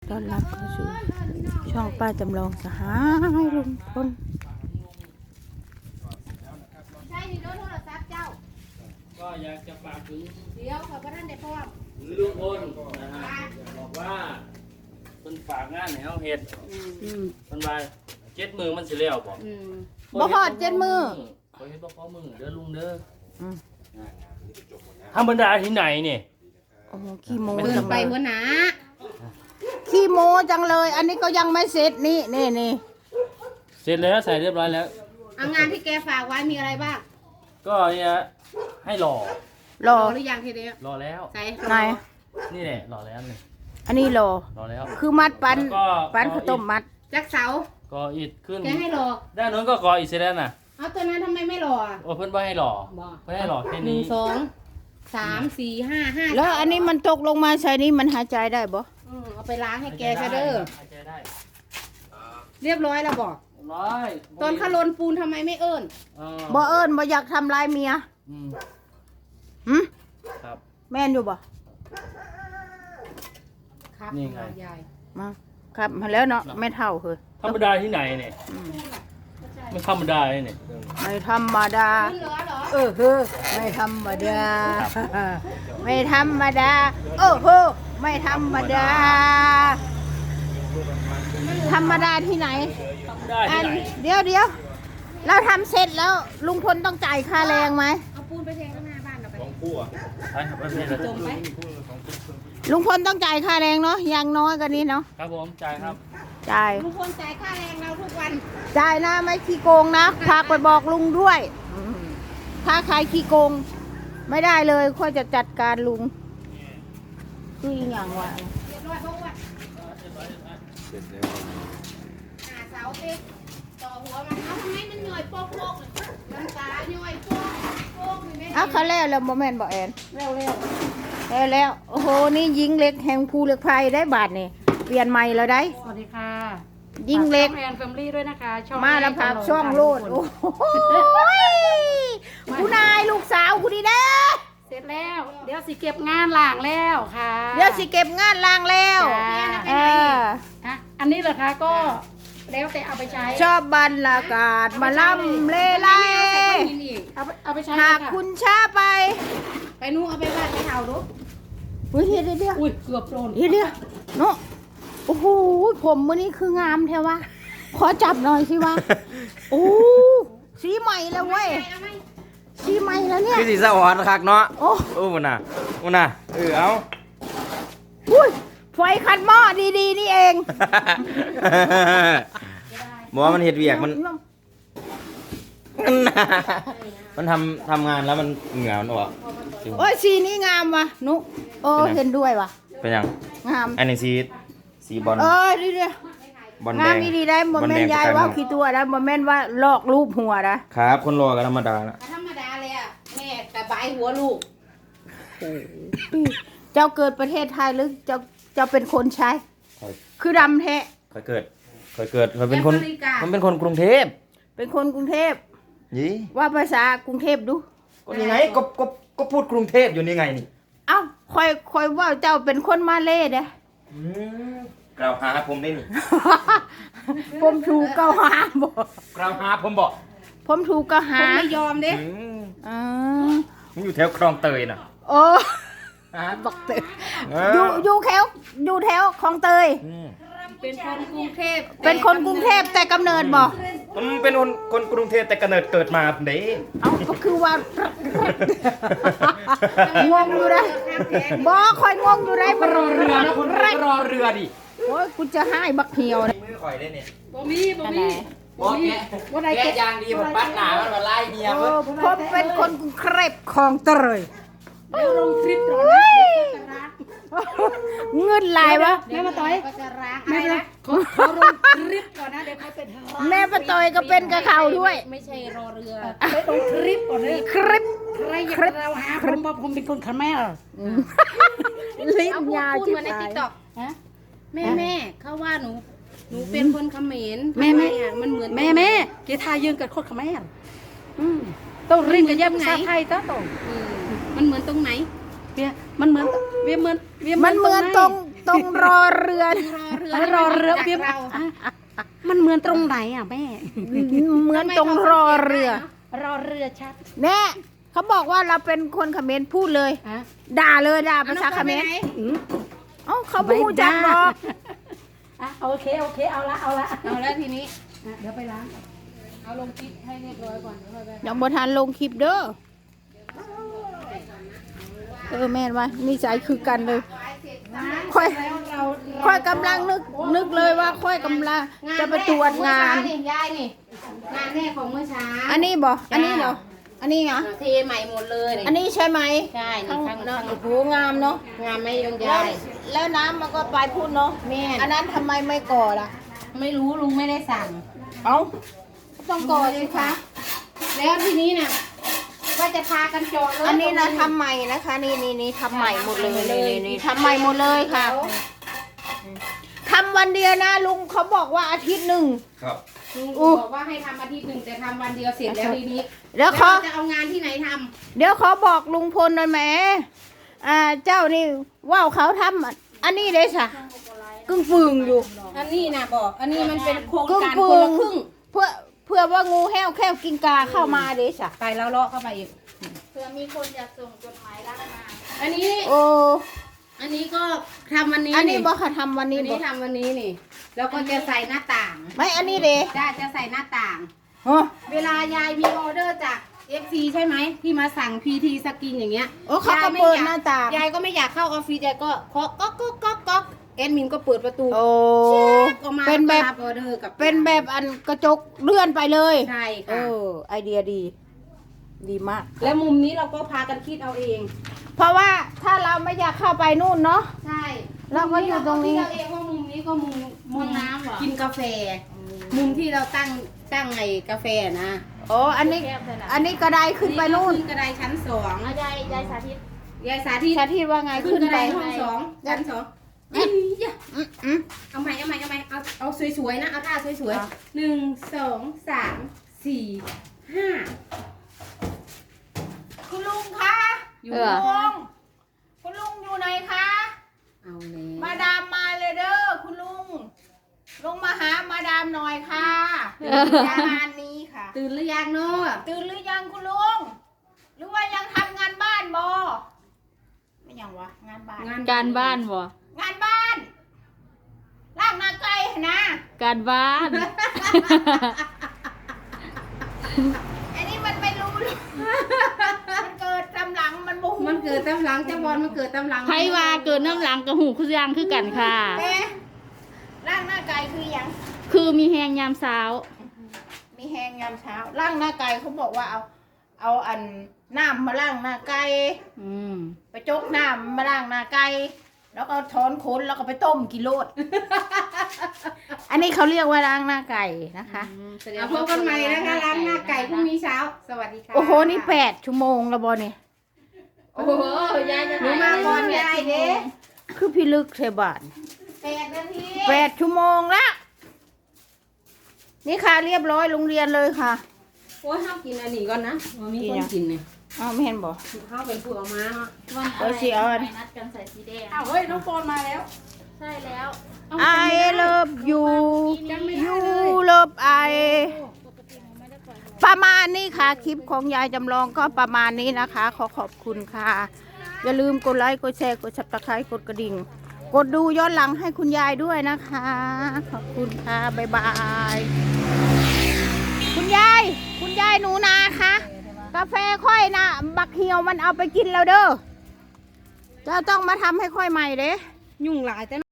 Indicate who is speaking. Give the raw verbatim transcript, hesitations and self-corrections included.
Speaker 1: ต้อนรับเข้าสู่ช่องป้าจำลองสหายลุงพล
Speaker 2: ใช่นี่รถโทรศัพท์เจ้า
Speaker 3: ก็อยากจะฝากถึง
Speaker 2: เดี๋ยวขอพระท่านได้พร้อม
Speaker 3: ลุงพลนะฮะบอกว่าเพิ่นฝากงานให้เฮาเฮ็ดเพิ่นว่าเจ็ดมือมันสิแล้วบ่
Speaker 2: อืม
Speaker 1: บ่ฮอดเจ็ดมือ
Speaker 3: ขอเฮ็ดบ่พอมือเด้อลุงเด้อ
Speaker 1: อืม
Speaker 3: ธรรมดาที่ไหนนี่
Speaker 1: โอ้โหขี้โม
Speaker 2: เดิ
Speaker 1: จั
Speaker 2: น
Speaker 1: ง
Speaker 2: ไป
Speaker 1: เลย
Speaker 2: หัวหน้า
Speaker 1: ขี้โมจังเลย อันนี้ก็ยังไม่เสร็จนี่นี่นี่
Speaker 3: เสร็จแล้วใส่เรียบร้อยแล้ว
Speaker 2: เอางานที่แกฝากไว้มีอะไรบ้าง
Speaker 3: ก็เนี่ยให้หล่อ
Speaker 1: รอ
Speaker 2: รอหรือยังทีเดียว
Speaker 3: รอแล้ว
Speaker 2: ใส่
Speaker 1: ไหน
Speaker 3: นี่แหละรอแล้วนี่
Speaker 1: อันนี้รอ
Speaker 3: รอแล้ว
Speaker 1: คือมัดปัน
Speaker 3: แล้วก็
Speaker 1: ปันข้าวต้มมัด
Speaker 2: จักเสา
Speaker 3: ก็อิดขึ้น
Speaker 2: แกให้รอ
Speaker 3: ด้านโน้นก็กออีกเสร็จแล้วน่ะ
Speaker 2: เอาตัวนั้นทำไมไม่รออ่ะ
Speaker 3: โอ้เพิ่นบ่ให้หล่อ
Speaker 2: บ่
Speaker 3: เพิ่นให้หล่อแค่
Speaker 2: หนึ่
Speaker 3: นี้
Speaker 2: งสองสามสี่ห้าห้า
Speaker 1: แล้วอันนี้มันตกลงมาใส่นี่มันหายใจได้บ่
Speaker 2: อืมเอาไปล้างให้แกซะเด้อ
Speaker 3: หายใจได้
Speaker 2: เรียบร้อยแล้วบอก
Speaker 3: เรียบร้อย
Speaker 2: ตอนขลนปูนทำไมไม่เอิ้น
Speaker 3: อ่า
Speaker 1: บ่เอิ้นบ่อยากทำลายเมีย
Speaker 3: อืม
Speaker 1: หึ
Speaker 3: ครับ
Speaker 1: แม่นอยู่บ่
Speaker 2: ครับ
Speaker 3: นี่ไง
Speaker 2: ยาย
Speaker 1: มาครับมาแล้วเนาะไม่เท่าคือ
Speaker 3: ธรรมดาที่ไหนเนี่ยไม่ธรรมดาเลยเนี่ย
Speaker 1: ไม่ธรรมดา
Speaker 2: ขึ้นเหรอเหรอ
Speaker 1: เออเฮ้อไม่ธรรมดา ไม่ธรรมดาโอ้โหไม่ธรรมดา ธรรมดาที่ไหน
Speaker 3: ธรรมดา
Speaker 1: อั
Speaker 3: ที่
Speaker 1: น
Speaker 3: ไหน
Speaker 1: เดี๋ยวเดี๋ยวเราทำเสร็จแล้วลุงพลต้องจ่ายค่าแรงไหม
Speaker 2: เอาปูนไปเทข้างหน้าบ้านเราไป
Speaker 3: ไปครับไปเลย
Speaker 2: จมไหม
Speaker 1: ลุงพลต้องจ่ายค่าแรงเนาะอย่างน้อยกันนี้เนาะ
Speaker 3: ครับผมจ่ายครับ
Speaker 1: จ่าย
Speaker 2: ลุงพลจ่ายค่าแรงเราทุกวัน
Speaker 1: จ่ายนะไม่ขี้โกงนะฝากไปบอกลุงด้วยถ้าใครขี้โกง ไม่ได้เลยค่อยจะจัดการลุงคืออีกอย่างวะ
Speaker 2: เรียบร้อยเพราะว่าหาเสาเต็กต่อหัวมันเอาทำไมมันหน่อยโป๊กโป๊กเลยน้ำตาหน่อยโป๊กโป๊กเลยแม่
Speaker 1: อ้าวเขาแล้วแล้วโมเมนต์บอกแอน
Speaker 2: เร็วเร็ว
Speaker 1: แล้วแล้วโอ้โหนี่ยิงเล็กแห่งภูเหล็กไฟได้บาทนี่เปลี่ยนใหม่แล้วได้
Speaker 4: สวัสดีค่ะ
Speaker 1: ยิงเล็ก
Speaker 4: ฝาช่องแอนแฟมิลี่ด้วยนะคะช่อง
Speaker 1: มาแล้วพักช่องโลดโอ้โหคุณนายลูกสาวคุณดีเด้อ
Speaker 4: เสร็จแล้ว เดี๋ยวสิเก็บงานล่างแล้วค่ะ
Speaker 1: เดี๋ยวสิเก็บงานล้างแล้ว
Speaker 4: จ้า
Speaker 1: เออ
Speaker 4: อ่ะอันนี้เหรอคะก็แล้วแต่เอาไปใช้
Speaker 1: ชอบบรรยากาศมาล่ำเลไล
Speaker 2: กินอีก
Speaker 4: เอาไปเอาไปใช้
Speaker 1: หาก
Speaker 4: เลยะ
Speaker 1: คุณช้าไป
Speaker 2: ไปนู่นเอาไปบ้านไปเห่าดู
Speaker 1: อุ้ยเดี๋ยวเดี๋ยวเดี๋ยว
Speaker 4: อุ้ยเกือบโดน
Speaker 1: เดี๋ยวเดี๋ยวเนาะโอ้โหผมวันนี้คืองามแท้วะขอจับหน่อยสิวะโอ้สีใหม่แล้วเว้ย
Speaker 2: เอาไหม
Speaker 1: สีใหม่แล้วเนี่ย
Speaker 5: คือสีสวรรค์คักเนาะ
Speaker 1: โอ้
Speaker 5: โอ้มันน่ะมันน่ะเออเอา
Speaker 1: อุ้ยไฟคันหม้อดีๆนี่เอง
Speaker 5: บอกว่ามันเห็ดเวียกมันมันทำทำงานแล้วมันเหงื่อมันออก
Speaker 1: โอ้ยสีนี้งามว่ะนุโอ้เห็นด้วยว่ะ
Speaker 5: เป็นยัง
Speaker 1: งาม
Speaker 5: อันนี้สีสีบอล
Speaker 1: เออดีเดียว
Speaker 5: บอลแด
Speaker 1: งาม
Speaker 5: ง
Speaker 1: ดีๆได้โมเมนต์ยายว่าขี้ตัวนะโมเมนต์ว่าลอกรูปหัวนะครับ
Speaker 5: คนรอกันธรรมดาละ
Speaker 2: ธรรมดาเลยอ่ะแม่แต่ใบหัวลูก
Speaker 1: เจ้าเกิดประเทศไทยหรือเจ้าเจ้าเป็นคนใช้ คือดำแท้
Speaker 5: เคยเกิดเคยเกิดเคยเป็นคนมันเป็นคนกรุงเทพ
Speaker 1: เป็นคนกรุงเทพ
Speaker 5: ยี่
Speaker 1: ว่าภาษากรุงเทพดู
Speaker 5: ก็นี่ไงก็ก็ก็พูดกรุงเทพอยู่นี่ไงนี่
Speaker 1: เอ้าคอยคอยว่าเจ้าเป็นคนมาเล่เด้
Speaker 5: อืมกล่าวหาผมได้นี่
Speaker 1: ผมถูกเกล่าวหาบ่
Speaker 5: กล่าวหาผมบอก
Speaker 1: ผมถูกเกล่าว
Speaker 2: ผ
Speaker 1: หาม
Speaker 2: ไม่ยอมเด้
Speaker 5: อืม
Speaker 1: อ๋อ
Speaker 5: ผมอยู่แถวคลองเตยน่ะ
Speaker 1: โอ้
Speaker 5: ฮะ
Speaker 1: บักเตย
Speaker 5: เอ
Speaker 1: อยู่
Speaker 5: อ
Speaker 1: อยู่แถวอยู่แถวคลองเตย
Speaker 5: อืม
Speaker 2: เป็นคนกรุงเทพ
Speaker 1: เป็นคนกรุงเทพแต่กำเนิดบ่
Speaker 5: ผมเป็นคนคนกรุงเทพแต่กำเนิดเกิดมาผมเด้
Speaker 1: เอ้าก็คือว่า งงอยู่นะบ่คอยงงอยู่ได้มัน
Speaker 5: รอเรือนะคุณรอเรือดิ
Speaker 1: โอ้ยกูจะให้บักเหี่ยวนะ
Speaker 5: มือข่อยได้เนี่ย
Speaker 4: บ่มีบ่มี
Speaker 5: บอกแก
Speaker 4: ว่าใด
Speaker 5: แกยางดีผมปัดหนามันมาไล่เมีย
Speaker 1: โอ้
Speaker 5: เพิ่น
Speaker 1: ผมเป็นคนกรุงเทพคลองเตย
Speaker 4: เดี๋ยวลงทริปก่อนนะเดี๋ยวเขาจะรัก
Speaker 1: เงินลายวะ
Speaker 4: แม่มาต่อย
Speaker 2: ก็จะร้างอะ
Speaker 4: แม่
Speaker 2: ไร
Speaker 4: นะ
Speaker 2: นะ
Speaker 4: เขาเขาลงทริปก่อนนะเดี๋ยวเขาเป็นรัก
Speaker 1: แม่ป้าตอยก็เป็นกับเขาด้วย
Speaker 2: ไม่ใช่รอเรือ
Speaker 4: ไปลงทริปก่อนเลย
Speaker 1: คลิป
Speaker 4: ใครอยากเราหาผมว่าผมเป็นคนขแมร
Speaker 1: ลิ้น
Speaker 2: เอาพูด
Speaker 1: ยาว
Speaker 2: พูด
Speaker 1: จิ๋
Speaker 2: เหมือนในติ๊กต็อก
Speaker 4: ฮะ
Speaker 2: แม่แม่เขาว่าหนู หนูเป็นคนเขมร
Speaker 4: แม่แม่
Speaker 2: ทำไอะมันเหมือน
Speaker 4: แม่แม่เกียร์ทายยืนกับโคตรขแมรอืมต้องเรียนกับแย่ภาษาไทยต้าต้อง
Speaker 2: อืมมันเหมือนตรงไหน
Speaker 4: เวียมันเหมือนเวียเหมือนเวีย
Speaker 1: มันเหมือนตรงตตรงรอเรือ
Speaker 2: รอเรือ
Speaker 4: รอเรือเปียบ
Speaker 2: เรา
Speaker 4: มันเหมือนตรงไหนอ่ะแม่
Speaker 1: เหมือนตรงรอเรือ
Speaker 4: รอเรือชัด
Speaker 1: แน่เขาบอกว่าเราเป็นคนเขมรพูดเลย
Speaker 4: อ่ะ
Speaker 1: ด่าเลยด่าภาษาเขมร
Speaker 4: อืม
Speaker 1: เอ้าเขาพูดจักหรอก
Speaker 4: อ่ะโอเคโอเคเอาละเอาละ
Speaker 2: เอาแล้วทีนี้
Speaker 4: อ่ะเดี๋ยวไปล้าง
Speaker 2: เอาลงคลิปให้เรียบร้อยก่อนเดี๋ยวค่อยไป
Speaker 1: ยังบ่ทันลงคลิปเด้อเออแม่นว่านิสัยคือกันเลยค่อย
Speaker 2: แล้วเรา
Speaker 1: ค่อยกำลังนึกนึกเลยว่าค่อยกำลังจะไปตรวจงาน
Speaker 2: นี่ยายนี่งานแรกของเมื่อเช้า
Speaker 1: อันนี้บ่อันนี้เหรออันนี้เหรอ
Speaker 2: เทใหม่หมดเลยนี่
Speaker 1: อันนี้ใช่ไหม
Speaker 2: ใช่นี่
Speaker 1: ข้าง
Speaker 2: ข้าง
Speaker 1: เนอะ
Speaker 2: ข้าง
Speaker 1: โอ้โหงามเนาะ
Speaker 2: งานไม่ยง
Speaker 1: แล้ว
Speaker 2: ยาย
Speaker 1: แล้วน้ำมันก็ไปพูดเนาะ
Speaker 2: แม่
Speaker 1: อันนั้นทำไมไม่ก่อล่ะ
Speaker 2: ไม่รู้ลุงไม่ได้สั่ง
Speaker 1: เอ้าต้องก่อสิคะ
Speaker 2: แล้วทีนี้น่ะว่าจะพากันเจาะเลย
Speaker 1: อันนี้นะทำใหม่นะคะ นี่นี่นี่ทำใหม่หมดเลยนี่นี่นี่ทำใหม่หมดเลยค่ะทำวันเดียวนะลุงเขาบอกว่าอาทิตย์หนึ่ง
Speaker 5: ครับ
Speaker 2: ลุง
Speaker 1: อู้
Speaker 2: บอกว่าให้ทำอาทิตย์หนึ่งแต่ทำวันเดียวเสร็จแล้วทีนี้
Speaker 1: เดี๋ยวเขา
Speaker 2: จะเอางานที่ไหนทำ
Speaker 1: เดี๋ยวเขาบอกลุงพลหน่อยแหมอ่าเจ้านี่ว่าวเขาทำอันนี้เลยสะกึ่งฟืงอยู่
Speaker 2: อันนี้นะบอก อันนี้มันเป็นโครง
Speaker 1: กึ่ง
Speaker 2: การ
Speaker 1: ฟื
Speaker 2: คน
Speaker 1: ง
Speaker 2: ละครึ่ง
Speaker 1: เพื่อเพื่อว่างูแห้วแค่วกินกาเข้ามาเด้สะ
Speaker 2: ไปแล้วเลาะเข้าไปอีก
Speaker 6: เผื่อมีคนอยากส่งจดหมายรักมา
Speaker 2: อันนี้
Speaker 1: โอ้
Speaker 2: อันนี้ก็ทำวันนี้
Speaker 1: อันนี้บอกค่ะทำวัน
Speaker 2: อั
Speaker 1: นี้
Speaker 2: น
Speaker 1: บ
Speaker 2: นี้
Speaker 1: อก
Speaker 2: ทำวันนี้นี่ แล้วก็จะใส่หน้าต่าง
Speaker 1: ไม่อันนี้เด้
Speaker 2: ได้จะใส่หน้าต่าง
Speaker 1: โอ้
Speaker 2: เวลายายมีออเดอร์จาก เอฟ ซี ใช่ไหมที่มาสั่ง พี ที สกินอย่างเงี้ย
Speaker 1: โอ้เขาก็เปิดหน้าต่าง
Speaker 2: ยายก็ไม่อยากเข้าออฟฟิศยายก็เคาะก๊อกก๊อกก๊อกก๊อกแอดมินก็เปิดประตู
Speaker 1: โอ้
Speaker 2: เช็คออกมา
Speaker 1: เป็นแบบ
Speaker 2: ล้วก็รับออเดอร์กับ
Speaker 1: เป็นแบบอันกระจกเลื่อนไปเลย
Speaker 2: ใช่
Speaker 1: เอ
Speaker 2: ค่ะ
Speaker 1: อไอเดียดี ดีมาก
Speaker 2: แล้วมุมนี้เราก็พากันคิดเอาเอง
Speaker 1: เพราะว่าถ้าเราไม่อยากเข้าไปนู่นเนาะ
Speaker 2: ใช่
Speaker 1: เราก็อยู่ตรงนี้
Speaker 2: มุมเราคิดเอาเองว่ามุมนี้ก็มุมมุม
Speaker 6: น้ำเหรอ
Speaker 2: กินกาแฟ มุมที่เราตั้งตั้งไอ้กาแฟนะ
Speaker 1: โอ้อันนี้ อันนี้กระไดขึ้นไปนู่น
Speaker 2: ขึ้นกระไดชั้นสอง
Speaker 6: เอายายยายสาธิต
Speaker 2: ยายสาธิต
Speaker 1: ชาทิตว่าไง
Speaker 2: ขึ้
Speaker 1: ขึ้
Speaker 2: น
Speaker 1: น
Speaker 2: กระ
Speaker 1: ไป
Speaker 2: ไดห้องสองชั้นสองอียะ
Speaker 1: อืมอืม
Speaker 2: เอาใหม่เอาใหม่เอาใหม่เอาเอาสวยๆนะเอาท่าสวย
Speaker 1: อ่ะ
Speaker 2: ๆหนึ่งสองสามสี่ห้า
Speaker 1: คุณลุงคะ
Speaker 2: อยู่
Speaker 6: เออ
Speaker 1: ลุงคุณลุงอยู่ไหนคะ
Speaker 2: เอาแล้ว
Speaker 1: มาดามมาเลยเด้อคุณลุง ลงมาหามาดามหน่อยค่ะงานนี้ค่ะ
Speaker 2: ตื่นหรือยังเนาะ
Speaker 1: ตื่นหรือยังคุณลุง หรือว่ายังทำงานบ้านบอไม่ยังวะงานบ้าน
Speaker 2: งาน
Speaker 6: การบ้านบ่
Speaker 1: งานบ้านล่างนาไก่นะ
Speaker 6: การบ้าน
Speaker 1: ไอ้นี่มันไม่รู้เลยมันเกิดตำหลังมันบู
Speaker 2: มันเกิดตำหลังเจ้าบอลมันเกิดตำหลัง
Speaker 6: ไผว่าเกิดน้ำหลังกับหูคือยังคือกันค่ะ
Speaker 1: เอ๊ะล่างหน้าไก่คือหยัง
Speaker 6: คือมีแหงยามเช้า
Speaker 1: มีแหงยามเช้าล่างหน้าไก่เขาบอกว่าเอา เอาอันน้ำมาล่างหน้าไก่
Speaker 6: อืม
Speaker 1: ไปจกน้ำมาล่างหน้าไก่แล้วก็ถอนขนแล้วก็ไปต้มกิโลด อันนี้เขาเรียกว่าล้างหน้าไก่นะคะ
Speaker 2: เอาพบกันใหม่นะคะล้างหน้าไก่พรุ่งนี้เช้า สวัสดีค่ะ
Speaker 1: โอ้โหนี่แปดชั่วโมงแล้วบอเนี่ย
Speaker 2: โอ้โหยายจะหนูมาก่อนยายเด้
Speaker 1: คือพี่ลึกเทบาน
Speaker 2: แปดนาที
Speaker 1: แปดชั่วโมงละนี่ค่ะเรียบร้อยโรงเรียนเลยค่ะ
Speaker 2: โอ้ยห้ามกินอันนี้ก่อนนะมันมีคนกินเนี่ย
Speaker 1: อ้าวไม่เห็นบอก
Speaker 2: ข้าวเป็นผู้เอามาเนาะ
Speaker 6: วัน
Speaker 1: เอาสิเอาอัน
Speaker 6: ไปนัดกันใส่สีแดง
Speaker 4: อ้าวเฮ้ยน้องโฟนมาแล้ว
Speaker 6: ใช่แล้ว
Speaker 1: I love you you love I ประมาณนี้ค่ะ คลิปของยายจำลองก็ประมาณนี้นะคะ ขอขอบคุณค่ะ อย่าลืมกดไลค์กดแชร์กดซับสไครต์กดกระดิ่ง กดดูย้อนหลังให้คุณยายด้วยนะคะ ขอบคุณค่ะ บ๊ายบาย คุณยาย คุณยายหนูนาคะกาแฟค่อยนะบักเหี่ยวมันเอาไปกินแล้วเด้อเจ้าต้องมาทำให้ค่อยใหม่เด้
Speaker 2: ยุ่งหลายแต่